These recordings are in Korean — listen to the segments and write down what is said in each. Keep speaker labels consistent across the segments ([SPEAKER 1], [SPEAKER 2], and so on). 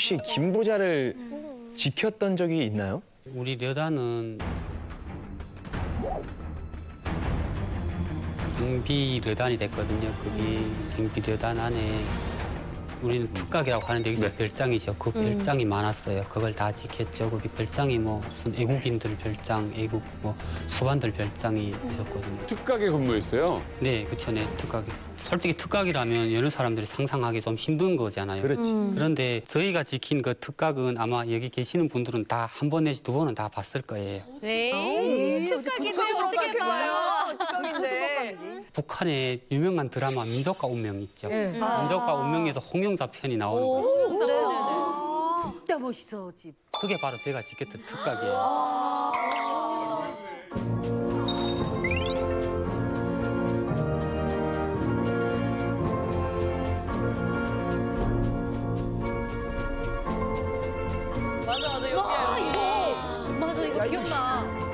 [SPEAKER 1] 혹시 김부자를 지켰던 적이 있나요?
[SPEAKER 2] 우리 르단은 경비 르단이 됐거든요. 그게 경비 르단 안에 우리는 특각이라고 하는데 여기서 별장이죠. 그 별장이 많았어요. 그걸 다 지켰죠. 거기 별장이 뭐 무슨 애국인들 별장, 애국 뭐 수반들 별장이 있었거든요.
[SPEAKER 3] 특각에 근무했어요?
[SPEAKER 2] 네, 그쵸, 네, 특각이. 솔직히 특각이라면 여러 사람들이 상상하기 좀 힘든 거잖아요.
[SPEAKER 1] 그렇지.
[SPEAKER 2] 그런데 저희가 지킨 그 특각은 아마 여기 계시는 분들은 다 한 번 내지 두 번은 다 봤을 거예요.
[SPEAKER 4] 네. 특각인데 어떻게 봐요? 특각인데.
[SPEAKER 2] 북한의 유명한 드라마 민족과 운명 있죠.
[SPEAKER 4] 네.
[SPEAKER 2] 민족과 운명에서 홍영자 편이 나오는 거예요.
[SPEAKER 4] 진짜 멋있어, 집.
[SPEAKER 2] 그게 바로 제가 지켰던 특각이에요.
[SPEAKER 5] 맞아, 여기야, 여기.
[SPEAKER 6] 맞아, 이거 기억나.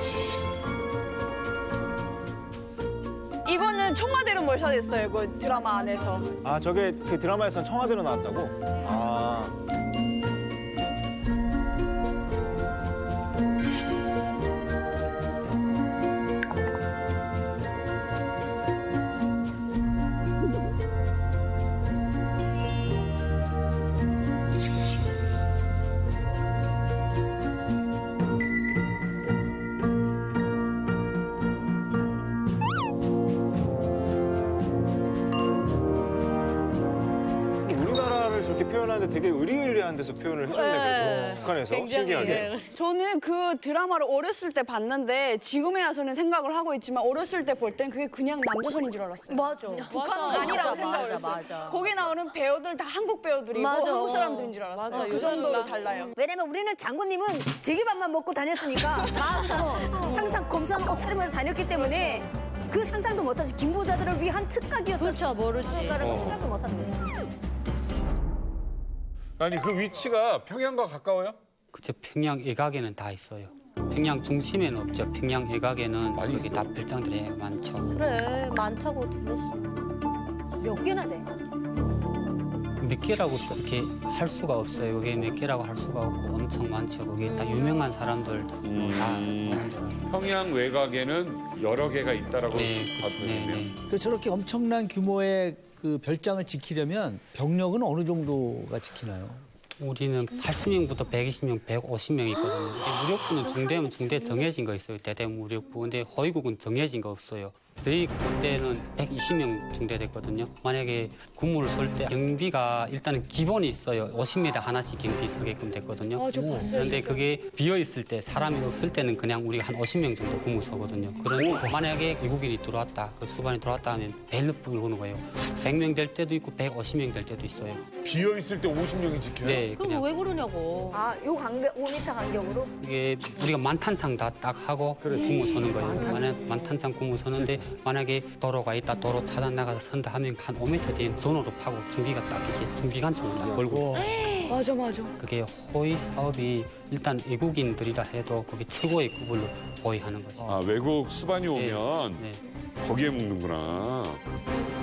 [SPEAKER 5] 이거는 청와대로 몰살됐어요, 그 드라마 안에서.
[SPEAKER 7] 아, 저게 그 드라마에서 청와대로 나왔다고? 아. 우리나라를 저렇게 표현하는데 되게 의리의리한 데서 표현을 해줬네, 그래도. 북한에서. 신기하게.
[SPEAKER 5] 저는 그 드라마를 어렸을 때 봤는데 지금에 와서는 생각을 하고 있지만 어렸을 때 볼 땐 그게 그냥 남조선인 줄 알았어요.
[SPEAKER 4] 맞아.
[SPEAKER 5] 북한은 아니라고 생각을 했어요.
[SPEAKER 4] 맞아.
[SPEAKER 5] 거기 나오는 배우들 다 한국 배우들이고
[SPEAKER 4] 맞아.
[SPEAKER 5] 한국 사람들인 줄 알았어요.
[SPEAKER 4] 맞아,
[SPEAKER 5] 그 정도로 달라요.
[SPEAKER 4] 왜냐면 우리는 장군님은 제기밥만 먹고 다녔으니까 항상 검소한 옷차림으로 다녔기 때문에 그 상상도 못하지 김부자들을 위한 특각이었어.
[SPEAKER 6] 그렇죠, 모르지.
[SPEAKER 4] 생각도 못하는 거지.
[SPEAKER 3] 아니, 그 위치가 평양과 가까워요?
[SPEAKER 2] 그쵸, 평양 외곽에는 다 있어요. 평양 중심에는 없죠. 평양 외곽에는
[SPEAKER 3] 많이
[SPEAKER 2] 거기 다
[SPEAKER 3] 있어요?
[SPEAKER 2] 별장들이 많죠.
[SPEAKER 6] 그래, 많다고 들었어.
[SPEAKER 4] 몇 개나 돼?
[SPEAKER 2] 몇 개라고 이렇게 할 수가 없어요. 그게 몇 개라고 할 수가 없고 엄청 많죠. 그게 다 유명한 사람들 다 오는 데라.
[SPEAKER 3] 평양 외곽에는 여러 개가 있다라고
[SPEAKER 2] 네,
[SPEAKER 3] 봐도
[SPEAKER 2] 그쵸, 네,
[SPEAKER 3] 되겠네요.
[SPEAKER 2] 네.
[SPEAKER 8] 그 저렇게 엄청난 규모의 그 별장을 지키려면 병력은 어느 정도가 지키나요?
[SPEAKER 2] 우리는 80명부터 120명, 150명 있거든요. 근데 무력부는 중대면 중대 정해진 거 있어요. 대대 무력부. 근데 허위국은 정해진 거 없어요. 저희 그때는 120명 중대됐거든요. 만약에 군무를 설 때 경비가 일단은 기본이 있어요. 50m 하나씩 경비 서게끔 됐거든요.
[SPEAKER 5] 아, 저 봤어요,
[SPEAKER 2] 그런데
[SPEAKER 5] 진짜.
[SPEAKER 2] 그게 비어 있을 때 사람이 없을 때는 그냥 우리가 한 50명 정도 군무 서거든요. 그런데 만약에 외국인이 들어왔다, 그 수반이 들어왔다 하면 벨을 부르는 거예요. 100명 될 때도 있고 150명 될 때도 있어요.
[SPEAKER 3] 비어있을 때 50명이 지켜요?
[SPEAKER 2] 네,
[SPEAKER 6] 그럼
[SPEAKER 2] 그냥
[SPEAKER 6] 왜 그러냐고.
[SPEAKER 4] 아, 요 간격, 5m 간격으로?
[SPEAKER 2] 이게 우리가 만탄창 다 딱 하고 군무 서는 거예요. 만탄창 군무 서는데 만약에 도로가 있다, 도로 차단 나가서 선다 하면 한 5m 뒤에 전호로 파고 중기가 딱 이렇게 중기관총을 딱 걸고 있어요.
[SPEAKER 5] 맞아, 맞아.
[SPEAKER 2] 그게 호위 사업이 일단 외국인들이라 해도 그게 최고의 급으로 호위하는 거죠.
[SPEAKER 3] 아, 외국 수반이 오면
[SPEAKER 2] 네.
[SPEAKER 3] 거기에 묵는구나.